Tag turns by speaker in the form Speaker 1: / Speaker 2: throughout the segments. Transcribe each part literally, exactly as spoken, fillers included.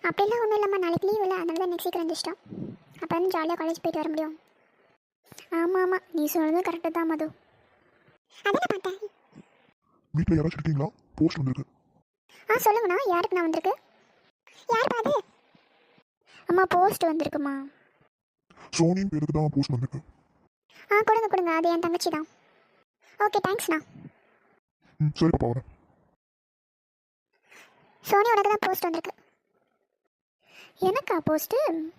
Speaker 1: அப்படிலாம் ஒன்றும் இல்லைம்மா, நாளைக்கு லீவ் இல்லை, அதனால தான் நெக்ஸ்ட் வீக் வந்துச்சிட்டோம். அப்போ வந்து ஜாலியாக காலேஜ் போயிட்டு வர முடியும். ஆமாம் ஆமாம், நீ சொன்னது கரெக்டு தான் மது. அதான் பார்த்தேன்.
Speaker 2: வீட்டில் யாராச்சும் இருக்கீங்களா? போஸ்ட் வந்திருக்கு.
Speaker 1: ஆ சொல்லுங்கண்ணா, யாருக்கு நான் வந்திருக்கு? யார் பாது? அம்மா போஸ்ட் வந்திருக்குமா?
Speaker 2: சோனியின் பேருக்கு தான் போஸ்ட் வந்திருக்கு.
Speaker 1: ஆ கொடுங்க கொடுங்க, அது என் தங்கச்சி தான். ஓகே தேங்க்ஸ்ண்ணா.
Speaker 2: ம் சரி பாப்பா வரேன்.
Speaker 1: சோனி உனக்கு தான் போஸ்ட் வந்திருக்கு. எனக்கா போஸ்ட்டு?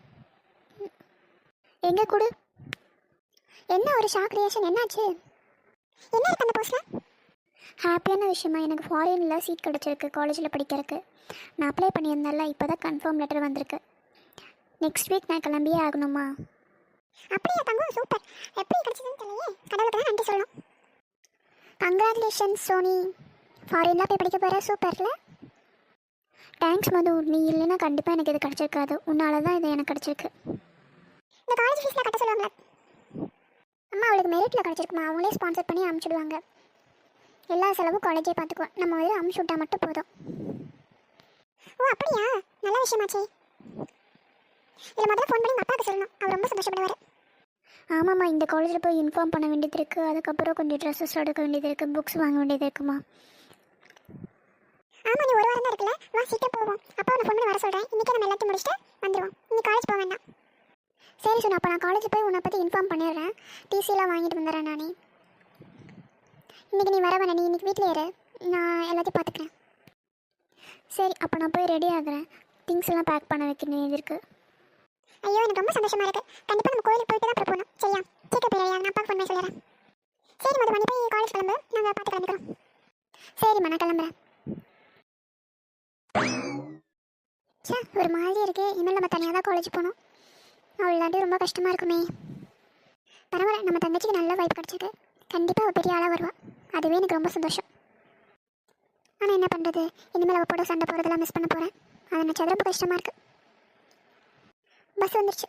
Speaker 1: எங்கே கொடு. என்ன ஒரு ஷாக் ரியாக்ஷன், என்னாச்சு? என்ன இருக்கு அந்த போஸ்ட்டில்? ஹாப்பியான விஷயமா, எனக்கு ஃபாரினில் சீட் கிடச்சிருக்கு காலேஜில் படிக்கிறதுக்கு. நான் அப்ளை பண்ணியிருந்தேன்ல, இப்போ தான் கன்ஃபார்ம் லெட்டர் வந்திருக்கு. நெக்ஸ்ட் வீக் நான் கிளம்பியே ஆகணுமா? அப்படியா தங்கம், சூப்பர். எப்படி கிடச்சதுன்னு தெரியலையே, கடவுளுக்கு தான் நன்றி சொல்லணும். கங்க்ராச்சுலேஷன்ஸ் சோனி, ஃபாரின்லாம் போய் படிக்க போகிற, சூப்பர்ல. தேங்க்ஸ் மது, நீ இல்லைன்னா கண்டிப்பாக எனக்கு இது கிடச்சிருக்காது. உன்னால தான் இது எனக்கு கிடச்சிருக்கு. இந்த காலேஜ் ஃபீஸில் கட்ட சொல்லுவாங்களே அம்மா, அவளுக்கு மெரிட்டில் கிடச்சிருக்குமா, அவங்களே ஸ்பான்சர் பண்ணி அனுப்பிச்சிடுவாங்க. எல்லா செலவும் காலேஜே பார்த்துக்குவோம், நம்ம வந்து அமுச்சு விட்டா மட்டும் போதும். ஓ அப்படியா, நல்ல விஷயமாச்சே. இதில் முதல்ல ஃபோன் பண்ணி உங்கள் அப்பாவுக்கு சொல்லணும், அவர் ரொம்ப சந்தோஷப்படுவார். ஆமாம்மா, இந்த காலேஜில் போய் இன்ஃபார்ம் பண்ண வேண்டியது இருக்குது. அதுக்கப்புறம் கொஞ்சம் ட்ரெஸ்ஸஸ் எடுக்க வேண்டியது இருக்குது, புக்ஸ் வாங்க வேண்டியது இருக்குமா. ஆமாம், நீ ஒரு வாரம் தான் இருக்குல்ல, வா சீக்கிரம் போவோம். அப்பா உன்னை ஃபோன் பண்ணி வர சொல்கிறேன். இன்றைக்கி நம்ம எல்லாத்தையும் முடிச்சுட்டு வந்துடுவோம். இன்னைக்கு காலேஜ் போக வேண்டாம். சரி சொன்ன, அப்போ நான் காலேஜ் போய் உன்னை பற்றி இன்ஃபார்ம் பண்ணிடுறேன். டிசிலாம் வாங்கிட்டு வந்துடுறேன் நானே. இன்றைக்கி நீ வர வேணாம், நீ இன்றைக்கி வீட்டில் இரு, நான் எல்லாத்தையும் பார்த்துக்கிறேன். சரி, அப்போ நான் போய் ரெடி ஆகுறேன். திங்ஸ் எல்லாம் பேக் பண்ண வைக்க வேண்டியது இருக்குது. ஐயோ எனக்கு ரொம்ப சந்தோஷமாக இருக்குது. கண்டிப்பாக நம்ம கோயிலுக்கு போயிட்டு தான் அப்புறம் போகணும். சரியா, சீக்கிரம் போயிடுறியா? நான் அப்பாவுக்கு ஃபோன் பண்ணி சொல்லிடுறேன். சரி மது, மணி போய் காலேஜ் கிளம்பு, நாங்கள் பார்த்து கிளம்பிக்கிறோம். சரிம்மா, நான் கிளம்புறேன். சே, ஒரு மாதிரி இருக்கு. இனிமேல் நம்ம தனியாக தான் காலேஜ் போகணும். அவள் இல்லாட்டி ரொம்ப கஷ்டமாக இருக்குமே. பரவாயில்ல, நம்ம தங்கச்சிக்கு நல்ல வைப் கிடச்சிருக்கு. கண்டிப்பாக அவள் பெரிய ஆளாக வருவாள். அதுவே எனக்கு ரொம்ப சந்தோஷம். ஆனால் என்ன பண்ணுறது, இனிமேல் அவள் போட சண்டை போகிறதெல்லாம் மிஸ் பண்ண போகிறேன். அது நினச்சது ரொம்ப கஷ்டமாக இருக்குது. பஸ் வந்துருச்சு.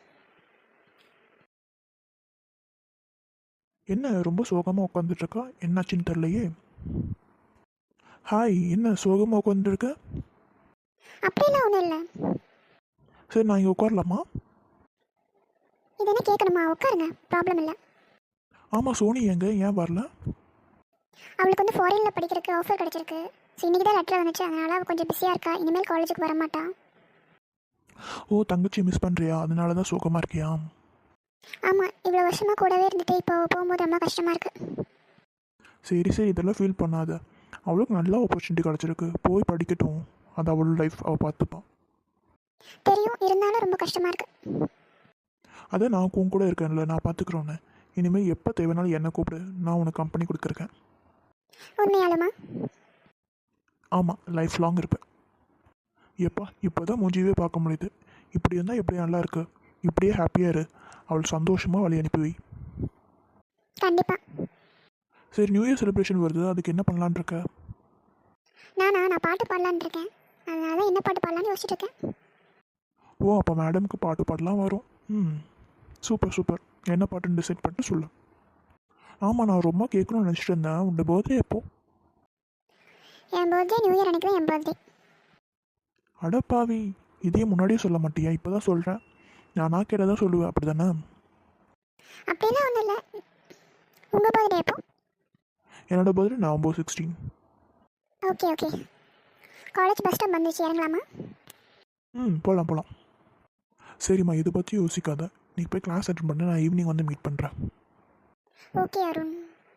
Speaker 3: என்ன ரொம்ப சோகமாக உட்காந்துட்ருக்கா? என்னாச்சுன்னு தெரிலையே. ஹாய், என்ன சோகமாக உட்காந்துருக்க?
Speaker 1: அப்படிலாம் ஒன்றும் இல்லை.
Speaker 3: சரி, நான் இங்கே உட்காரலாமா?
Speaker 1: இது என்ன கேட்கணுமா? உட்காருங்க, ப்ராப்ளம் இல்லை.
Speaker 3: ஆமாம், சோனி எங்கே, ஏன் வரல?
Speaker 1: அவளுக்கு வந்து ஃபாரினில் படிக்கிறதுக்கு ஆஃபர் கிடச்சிருக்கு. ஸோ இன்றைக்கி தான் லெட்டர் வந்துச்சு, அதனால் அவள் கொஞ்சம் பிஸியாக இருக்கா. இனிமேல் காலேஜுக்கு வரமாட்டா.
Speaker 3: ஓ, தங்கச்சி மிஸ் பண்ணுறியா? அதனால தான் சோகமாக இருக்கியா?
Speaker 1: ஆமாம், இவ்வளோ வருஷமாக கூடவே இருந்துட்டு இப்போ போகும்போது ரொம்ப கஷ்டமாக இருக்குது.
Speaker 3: சரி சரி, இதெல்லாம் ஃபீல் பண்ணாத. அவளுக்கு நல்ல ஆப்பர்ச்சுனிட்டி கிடச்சிருக்கு, போய் படிக்கட்டும். அது அவளோட லைஃப், அவள் பார்த்துப்பான்.
Speaker 1: தெரியும், இருந்தாலும் ரொம்ப கஷ்டமாக இருக்குது.
Speaker 3: அதை நான் உன் கூட இருக்கேன்ல, நான் பார்த்துக்குறோன்னு. இனிமேல் எப்போ தேவைனாலும் என்னை கூப்பிடு, நான் உனக்கு கம்பெனி கொடுத்துருக்கேன்.
Speaker 1: உண்மையாலுமா?
Speaker 3: ஆமாம், லைஃப் லாங் இருப்பேன். எப்பா, இப்போ தான் மூஞ்சியவே பார்க்க முடியுது. இப்படி இருந்தால் எப்படி நல்லா இருக்கு. இப்படியே ஹாப்பியாக இரு. அவள் சந்தோஷமாக வழி அனுப்பி வை.
Speaker 1: கண்டிப்பாக.
Speaker 3: சரி, நியூ இயர் செலிப்ரேஷன் வருது, அதுக்கு என்ன பண்ணலான் இருக்க?
Speaker 1: நானா நான் பாட்டு பாடலான் இருக்கேன். அதனால என்ன பாட்டு பாடலான்னு யோசிச்சுட்டு இருக்கேன்.
Speaker 3: ஓ, அப்போ மேடம்க்கு பாட்டு பாடலாம் வரும். ம், சூப்பர் சூப்பர். என்ன பாட்டுன்னு டிசைட் பண்ணிட்டு சொல்லு. ஆமாம், நான் ரொம்ப கேட்கணும்னு நினச்சிட்டு இருந்தேன். உன்னோட பர்த்டே எப்போ?
Speaker 1: என் பர்த்டே நியூ இயர் அன்றைக்கி தான் என் பர்த்டே.
Speaker 3: அடப்பாவி, இதே முன்னாடியே சொல்ல மாட்டியா? இப்போ தான் சொல்கிறேன். நானா கேட்டதான் சொல்லுவேன், அப்படி தானே?
Speaker 1: அப்படிலாம் ஒன்றும் இல்லை. உங்கள் பர்த்டே எப்போ?
Speaker 3: என்னோட birthday November sixteen.
Speaker 1: Okay okay. College bus stop வந்துச்சு, இறங்கலாமா?
Speaker 3: ம், போகலாம் போகலாம். சரிம்மா, இதை பற்றி யோசிக்காத. நீ போய் கிளாஸ் அட்டன் பண்ண, நான் ஈவினிங் வந்து மீட் பண்ணுறேன்.
Speaker 1: ஓகே அருண்.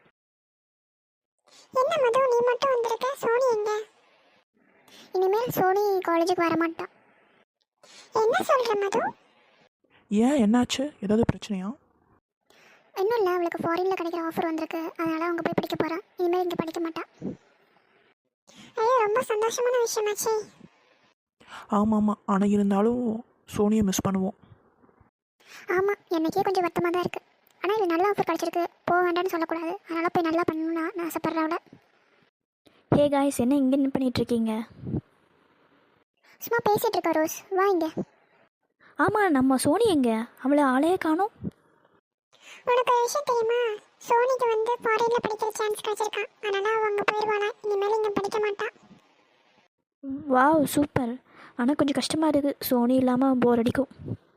Speaker 1: என்ன மது, நீ மட்டும் வந்திருக்க? சோனி எங்க? இனிமேல் சோனி காலேஜுக்கு வர மாட்டா. என்ன சொல்கிற மது?
Speaker 3: ஏன், என்னாச்சு? ஏதாவது பிரச்சனையா?
Speaker 1: இன்னும் இல்லை, அவளுக்கு ஃபாரினில் கிடைக்கிற ஆஃபர் வந்திருக்கு. அதனால் அவங்க போய் படிக்க போகிறான். இனிமேல் இங்கே படிக்க மாட்டா. ஐயோ, ரொம்ப சந்தோஷமான விஷயமாச்சே.
Speaker 3: ஆமாம் ஆமாம், ஆனால் இருந்தாலும் சோனியை மிஸ் பண்ணுவோம்.
Speaker 1: ஆமாம், எனக்கே கொஞ்சம் வருத்தமாக தான் இருக்குது. ஆனால் இது நல்ல ஆஃபர் கிடச்சிருக்கு, போக வேண்டாம்னு சொல்லக்கூடாது. அதனால் போய் நல்லா பண்ணணும்னு நான் ஆசைப்பட்றேன் அவளை.
Speaker 4: ஹே காய்ஸ், என்ன இங்கே என்ன பண்ணிகிட்ருக்கீங்க?
Speaker 1: சும்மா பேசிகிட்டு இருக்கா ரோஸ், வா இங்கே.
Speaker 4: ஆமாம், நம்ம சோனி எங்கே? அவளை ஆளையே காணோம்.
Speaker 1: உனக்கு ஒரு விஷயம் தெரியுமா? சோனிக்கு வந்து ஃபாரினில் படிக்கிற சான்ஸ் கிடச்சிருக்கான். அதனால் அவள் அங்கே போயிடுவானா, இனிமேல் இங்கே படிக்க மாட்டான்.
Speaker 4: Wow, super. ஆனால் கொஞ்சம் கஷ்டமாக இருக்குது, சோனி இல்லாமல் போர் அடிக்கும்.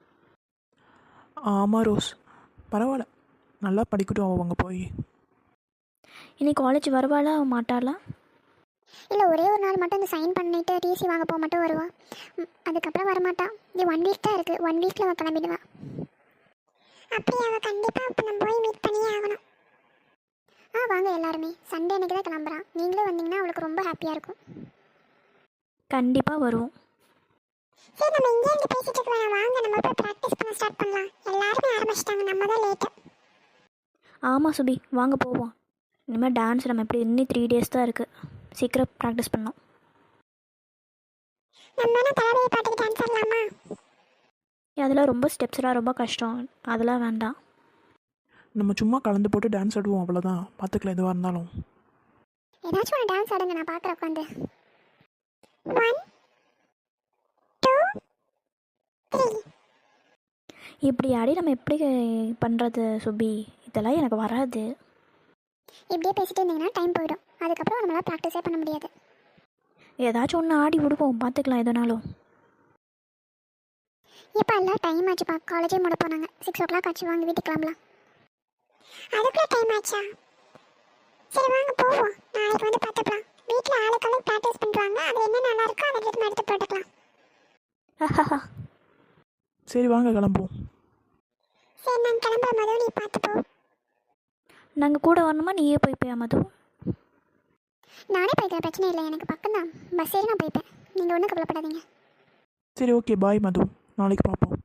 Speaker 3: ஆமாம் ரோஸ், பரவாயில்ல, நல்லா படிக்கட்டும் அவங்க போய்.
Speaker 4: இன்னைக்கு காலேஜ் வருவாளா மாட்டாளா?
Speaker 1: இல்லை ஒரே ஒரு நாள் மட்டும் இந்த சைன் பண்ணிட்டு டிசி வாங்க போக மட்டும் வருவா. ம், அதுக்கப்புறம் வரமாட்டான். இது ஒன் வீக் தான் இருக்குது, ஒன் வீக்கில் அவள் கிளம்பிடுவா. அப்படி அவள் கண்டிப்பாக இப்போ நம்ம போய் மீட் பண்ணியே ஆகணும். ஆ வாங்க எல்லாருமே, சண்டே அன்னைக்கு தான் கிளம்புறான். நீங்களே வந்தீங்கன்னா அவளுக்கு ரொம்ப ஹாப்பியாக இருக்கும்.
Speaker 4: கண்டிப்பாக வருவோம்.
Speaker 1: சரி நம்ம இங்கே இருந்து பேசிட்டு இருக்க வேணாம், வாங்க நம்ம போய் ப்ராக்டிஸ் பண்ண ஸ்டார்ட் பண்ணலாம். எல்லாருமே ஆரம்பிச்சிட்டாங்க, நம்ம தான் லேட்டு.
Speaker 4: ஆமாம் சுபி, வாங்க போவோம். இனிமேல் டான்ஸ் நம்ம எப்படி இன்னும் த்ரீ டேஸ் தான் இருக்குது, சீக்கிரம் ப்ராக்டிஸ் பண்ணோம்.
Speaker 1: நம்ம என்ன தளபதி பாட்டுக்கு டான்ஸ் ஆடலாமா?
Speaker 4: அதெல்லாம் ரொம்ப ஸ்டெப்ஸ்லாம் ரொம்ப கஷ்டம், அதெல்லாம் வேண்டாம்.
Speaker 3: நம்ம சும்மா கலந்து போட்டு டான்ஸ் ஆடுவோம், அவ்வளோதான். பார்த்துக்கலாம் எதுவாக இருந்தாலும்.
Speaker 1: ஏதாச்சும் ஒரு டான்ஸ் ஆடுங்க, நான் பார்க்குறேன் உட்காந்து. One two three.
Speaker 4: இப்படி ஆடி நம்ம எப்படி பண்ணுறது சுபி? இதெல்லாம் எனக்கு வராது.
Speaker 1: இப்படியே பேசிட்டு இருந்தீங்கன்னா டைம் போயிடும். அதுக்கப்புறம் நம்மளால் ப்ராக்டிஸே பண்ண முடியாது.
Speaker 4: ஏதாச்சும் ஒன்று ஆடி விடுவோம், பார்த்துக்கலாம் எதுனாலும்.
Speaker 1: இப்போ எல்லாம் டைம் ஆச்சுப்பா, காலேஜே மூட போனாங்க. சிக்ஸ் ஓ கிளாக் ஆச்சு, வாங்க வீட்டுக்கு கிளம்பலாம். அதுக்குள்ள டைம் ஆச்சா? சரி வாங்க போவோம், நாளைக்கு வந்து பார்த்துக்கலாம். வீட்டில் ஆளுக்கெல்லாம் ப்ராக்டிஸ் பண்ணுறாங்க, அது என்ன நல்லா இருக்கோ அதை எடுத்து எடுத்து போட்டுக்கலாம்.
Speaker 3: சரி வாங்க கிளம்புவோம்.
Speaker 1: சரி நான் கிளம்புற மது, நீ பார்த்து போ.
Speaker 4: நாங்கள் கூட வரணுமா, நீயே போய்ப்பியா மது?
Speaker 1: நானே போய்க்கிறேன், பிரச்சனை இல்லை, எனக்கு பக்கம் தான். பஸ் ஏறி நான் போய்ப்பேன், நீங்கள் ஒன்றும் கவலைப்படாதீங்க.
Speaker 3: சரி ஓகே, பாய் மது, நாளைக்கு பார்ப்போம்.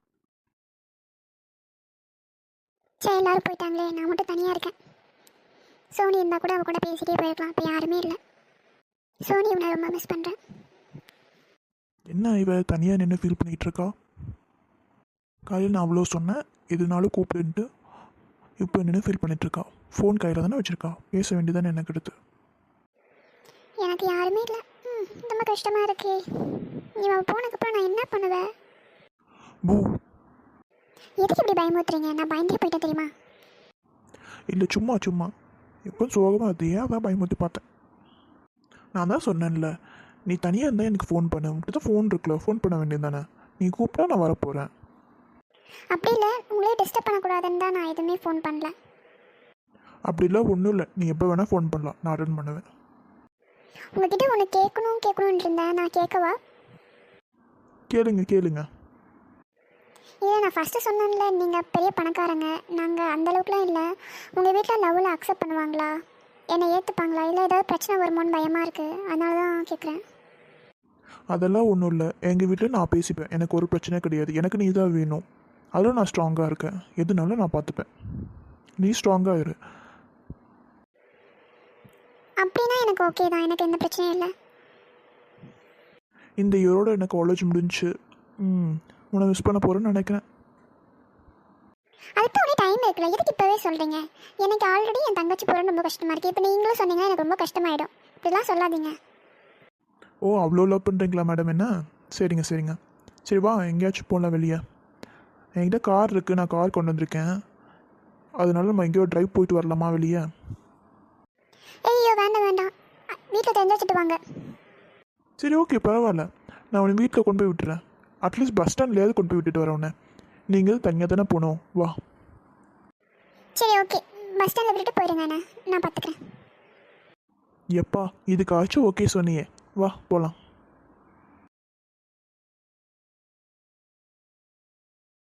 Speaker 1: சரி எல்லாரும் போயிட்டாங்களே, நான் மட்டும் தனியாக இருக்கேன். சோனி இருந்தால் கூட அவ கூட பேசிகிட்டே போயிருக்கலாம், இப்போ யாருமே இல்லை. சோனி இவனை ரொம்ப மிஸ் பண்ணுறேன்.
Speaker 3: என்ன இவ தனியாக நின்று ஃபீல் பண்ணிகிட்டு இருக்கா? காலையில் நான் அவ்வளோ சொன்னேன் எதுனாலும் கூப்பிடுன்ட்டு, இப்போ நின்று ஃபீல் பண்ணிகிட்ருக்கா. ஃபோன் கையில் தானே வச்சுருக்கா, பேச வேண்டியதானே எனக்கு எடுத்து.
Speaker 1: எனக்கு யாருமே இல்லை. ம் ரொம்ப கஷ்டமாக இருக்கே. இவன் போனதுக்கப்புறம் நான் என்ன பண்ணுவேன்?
Speaker 3: பூ,
Speaker 1: எதுக்கு இப்படி பயமுறுத்துறீங்க? நான் பயந்தே போயிட்டேன் தெரியுமா?
Speaker 3: இல்லை சும்மா சும்மா எப்போ சோகமாக அது ஏன் அதான் பயமுறுத்தி பார்த்தேன். நான் தான் சொன்னேன்ல, நீ தனியாக இருந்தால் எனக்கு ஃபோன் பண்ணு. உங்கள்கிட்ட தான் ஃபோன் இருக்குல்ல, ஃபோன் பண்ண வேண்டியது தானே. நீ கூப்பிட்டா நான் வரப்போகிறேன்.
Speaker 1: அப்படி இல்லை, உங்களே டிஸ்டர்ப் பண்ணக்கூடாதுன்னு தான் நான் எதுவுமே ஃபோன் பண்ணல.
Speaker 3: அப்படிலாம் ஒன்றும் இல்லை, நீ எப்போ வேணால் ஃபோன் பண்ணலாம், நான் அட்டன் பண்ணுவேன்.
Speaker 1: உங்ககிட்ட ஒன்று கேட்கணும் கேட்கணுன்னு இருந்தேன், நான் கேட்கவா?
Speaker 3: கேளுங்க கேளுங்க.
Speaker 1: இல்லை நான் ஃபஸ்ட்டு சொன்னேன்ல, நீங்கள் பெரிய பணக்காரங்க, நாங்கள் அந்தளவுக்குலாம் இல்லை. உங்கள் வீட்டில் லவ்வில் அக்செப்ட் பண்ணுவாங்களா? என்னை ஏற்றுப்பாங்களா? இல்லை ஏதாவது பிரச்சனை வருமோன்னு பயமாக இருக்குது, அதனால தான் கேட்குறேன்.
Speaker 3: அதெல்லாம் ஒன்றும் இல்லை, எங்கள் வீட்டில் நான் பேசிப்பேன், எனக்கு ஒரு பிரச்சனை கிடையாது. எனக்கு நீ தான் வேணும், அதில் நான் ஸ்ட்ராங்காக இருக்கேன். எதுனாலும் நான் பார்த்துப்பேன், நீ ஸ்ட்ராங்காக இரு.
Speaker 1: அப்படின்னா எனக்கு ஓகே தான், எனக்கு எந்த பிரச்சனையும் இல்லை.
Speaker 3: இந்த இயரோட எனக்கு காலேஜ் முடிஞ்சு ம் உன்னை மிஸ் பண்ண போகிறேன்னு நினைக்கிறேன்.
Speaker 1: அதுக்கு ஒரே டைம் இருக்குல்ல, எதுக்கு இப்போவே சொல்கிறீங்க? எனக்கு ஆல்ரெடி என் தங்கச்சி போகிறது ரொம்ப கஷ்டமாக இருக்குது. இப்போ நீங்களும் சொன்னீங்கன்னா எனக்கு ரொம்ப கஷ்டமாயிடும். இப்படிலாம் சொல்லாதீங்க.
Speaker 3: ஓ அவ்வளோ லவ் பண்ணுறீங்களா மேடம்? என்ன சரிங்க சரிங்க. சரி வா எங்கேயாச்சும் போகலாம் வெளியே. என்கிட்ட கார் இருக்குது, நான் கார் கொண்டு வந்திருக்கேன். அதனால நம்ம எங்கேயோ ட்ரைவ் போயிட்டு வரலாமா வெளியே?
Speaker 1: ஐயோ வேண்டாம் வேண்டாம், வீட்டில் தெரிஞ்சு வச்சுட்டு வாங்க.
Speaker 3: சரி ஓகே பரவாயில்ல, நான் உன்னை வீட்டில் கொண்டு போய் விட்டுறேன். அட்லீஸ்ட் பஸ் ஸ்டாண்ட்லேயாவது கொண்டு போய் விட்டுட்டு வரேன் உன்னை. நீங்கள் தனியாக தானே போகணும், வா.
Speaker 1: சரி ஓகே, பஸ் ஸ்டாண்டில் விட்டுட்டு போயிடுங்க, நான் நான் பார்த்துக்கிறேன்.
Speaker 3: எப்பா இதுக்காச்சும் ஓகே சொன்னியே, வா போகலாம்.